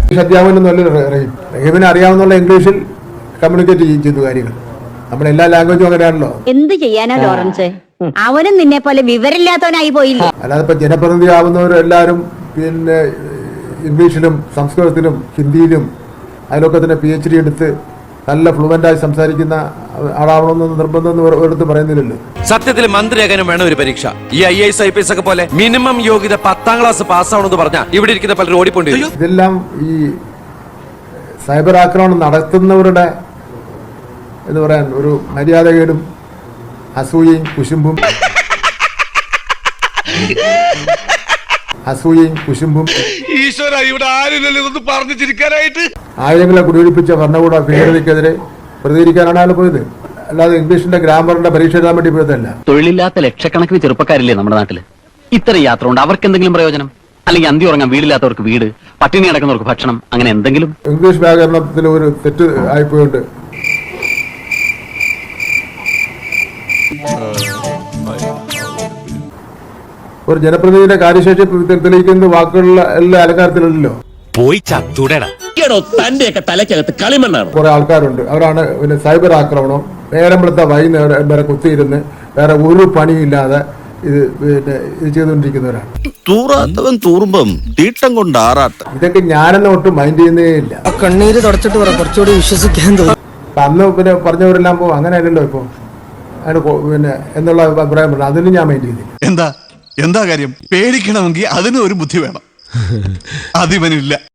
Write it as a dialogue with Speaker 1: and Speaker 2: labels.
Speaker 1: അധ്യാപനം റഹീമിനെ അറിയാവുന്ന ഇംഗ്ലീഷിൽ കമ്മ്യൂണിക്കേറ്റ് ചെയ്തു കാര്യങ്ങൾ. നമ്മുടെ എല്ലാ ലാംഗ്വേജും അങ്ങനെയാണല്ലോ.
Speaker 2: എന്ത് ചെയ്യാനാ ലോറൻസ്, അവനും നിന്നെ പോലെ വിവരമില്ലാത്തവനായി പോയില്ലേ.
Speaker 1: അല്ലാതെ ഇപ്പൊ ജനപ്രതിനിധി ആവുന്നവരെല്ലാരും പിന്നെ ഇംഗ്ലീഷിലും സംസ്കൃതത്തിലും ഹിന്ദിയിലും അതിലൊക്കെ തന്നെ PhD എടുത്ത് നല്ല ഫ്ലുവൻ്റായി സംസാരിക്കുന്ന ആളാവണമെന്ന് നിർബന്ധം ഒരിടത്ത് പറയുന്നില്ലല്ലോ.
Speaker 3: സത്യത്തിൽ മന്ത്രിയാകാനും വേണം ഒരു പരീക്ഷ. ഈ IAS IPS ഒക്കെ പോലെ മിനിമം യോഗ്യത 10ാം ക്ലാസ് പാസ്സാവണമെന്ന് പറഞ്ഞാൽ ഇവിടെ ഇരിക്കുന്ന പലരും ഓടിപ്പോണ്ടി.
Speaker 1: ഇതെല്ലാം ഈ സൈബർ ആക്രമണം നടത്തുന്നവരുടെ എന്ന് പറയാൻ ഒരു മര്യാദകേടും അസൂയയും കുശുമ്പും ആയിരങ്ങളെ കുടിയൊഴിപ്പിച്ച ഭരണകൂട ഭീകരതയ്ക്കെതിരെ പ്രതികരിക്കാനാണ് അയാൾ പോയത്. അല്ലാതെ ഇംഗ്ലീഷിന്റെ ഗ്രാമറിന്റെ പരീക്ഷ എഴുതാൻ വേണ്ടി പോയതല്ല.
Speaker 4: തൊഴിലില്ലാത്ത ലക്ഷക്കണക്കിന് ചെറുപ്പക്കാരില്ലേ നമ്മുടെ നാട്ടില്. ഇത്ര യാത്ര കൊണ്ട് അവർക്ക് എന്തെങ്കിലും പ്രയോജനം? അല്ലെങ്കിൽ അന്തി ഉറങ്ങാൻ വീടില്ലാത്തവർക്ക് വീട്, പട്ടിണി കിടക്കുന്നവർക്ക് ഭക്ഷണം, അങ്ങനെ എന്തെങ്കിലും?
Speaker 1: ഇംഗ്ലീഷ് വ്യാകരണത്തിൽ ഒരു തെറ്റ് ആയിപ്പോയുണ്ട്. ഒരു ജനപ്രതിനിധിയുടെ കാര്യശേഷി തെളിയിക്കുന്ന വാക്കുകളിൽ എല്ലാ അലങ്കാരത്തിലല്ലോ.
Speaker 3: പോയി ചത്തുടടാ.
Speaker 4: തലക്കകത്ത് കളിമണ്ണാണ്.
Speaker 1: കുറെ ആൾക്കാരുണ്ട്, അവരാണ് പിന്നെ സൈബർ ആക്രമണം നേരമ്പളത്തെ വൈകുന്നേരം വരെ കുത്തിയിരുന്ന് വേറെ ഒരു പണിയില്ലാതെ ഇത് പിന്നെ ഇത് ചെയ്തുകൊണ്ടിരിക്കുന്നവരാണ്.
Speaker 5: തൂറാത്തവൻ തൂറുമ്പം തീട്ടം കൊണ്ട് ആറാട്ടം.
Speaker 1: ഇതൊക്കെ ഞാനെന്നെ ഒട്ടും മൈൻഡ് ചെയ്യുന്നേ ഇല്ല.
Speaker 6: കണ്ണീര് തുടച്ചിട്ട് കുറച്ചുകൂടി വിശ്വസിക്കാൻ തോന്നും.
Speaker 1: അന്ന് പിന്നെ പറഞ്ഞവരെല്ലാം പോകും, അങ്ങനെയല്ലല്ലോ ഇപ്പൊ അതിന് പിന്നെ എന്നുള്ള അഭിപ്രായം പറഞ്ഞു. അതിന് ഞാൻ മൈൻഡ് ചെയ്തില്ല.
Speaker 7: എന്താ കാര്യം? പേടിക്കണമെങ്കിൽ അതിന് ഒരു ബുദ്ധി വേണം. അതിവനില്ല.